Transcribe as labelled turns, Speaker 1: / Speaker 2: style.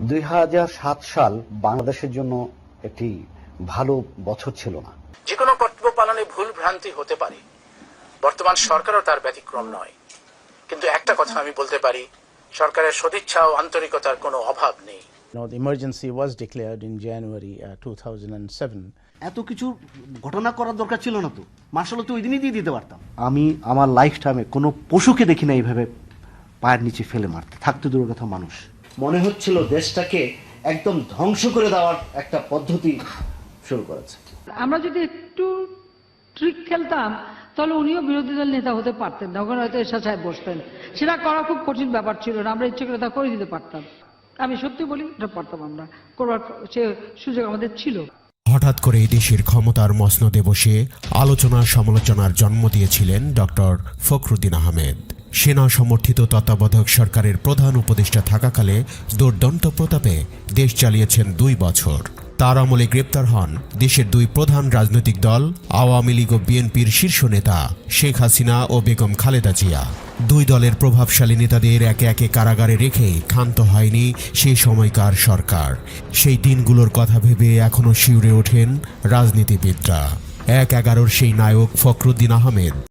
Speaker 1: 2007 সাল বাংলাদেশের জন্য একটি ভালো বছর ছিল না।
Speaker 2: যে কোনো কর্তব্য পালনে ভুল ভ্রান্তি হতে পারে, বর্তমান সরকারও তার ব্যতিক্রম নয়। কিন্তু একটা কথা আমি বলতে পারি, সরকারের সদিচ্ছা ও আন্তরিকতার কোনো অভাব নেই।
Speaker 3: The emergency was declared in January 2007.
Speaker 4: এত কিছু ঘটনা করার দরকার ছিল না তো, মার্শাল তো ওই দিনই দিয়ে দিতে পারতাম। আমি আমার লাইফ টাইমে কোনো পশুকে দেখি না এইভাবে পায়ের নিচে ফেলে মারতে, থাকতে দূরের কথা মানুষ। মনে হচ্ছিল দেশটাকে একদম ধ্বংস করে দেওয়ার একটা পদ্ধতি শুরু করেছে।
Speaker 5: আমরা যদি একটু ট্রিক খেলতাম তাহলে উনিও বিরোধী দল নেতা হতে পারতেন না, ওখানে হয়তো এরশাদ সাহেব বসতেন। সেটা করা খুব কঠিন ব্যাপার ছিল না, আমরা ইচ্ছে করে তা করে দিতে পারতাম। আমি সত্যি বলি, এটা পারতাম, আমরা করবার সে সুযোগ আমাদের ছিল।
Speaker 6: হঠাৎ করে দেশের ক্ষমতার মসনদে বসে আলোচনা সমালোচনার জন্ম দিয়েছিলেন ডক্টর ফখরুদ্দীন আহমেদ। সেনা সমর্থিত তত্ত্বাবধায়ক সরকারের প্রধান উপদেষ্টা থাকাকালে দুর্দান্ত প্রতাপে দেশ চালিয়েছেন 2 বছর। তার আমলে গ্রেপ্তার হন দেশের 2 প্রধান রাজনৈতিক দল আওয়ামী লীগ ও বিএনপির শীর্ষ নেতা শেখ হাসিনা ও বেগম খালেদা জিয়া। 2 দলের প্রভাবশালী নেতাদের একে একে কারাগারে রেখে ক্ষান্ত হয়নি সেই সময়কার সরকার। সেই দিনগুলোর কথা ভেবে এখনো শিউরে ওঠেন রাজনীতিবিদরা। 1/11 সেই নায়ক ফখরুদ্দীন আহমেদ।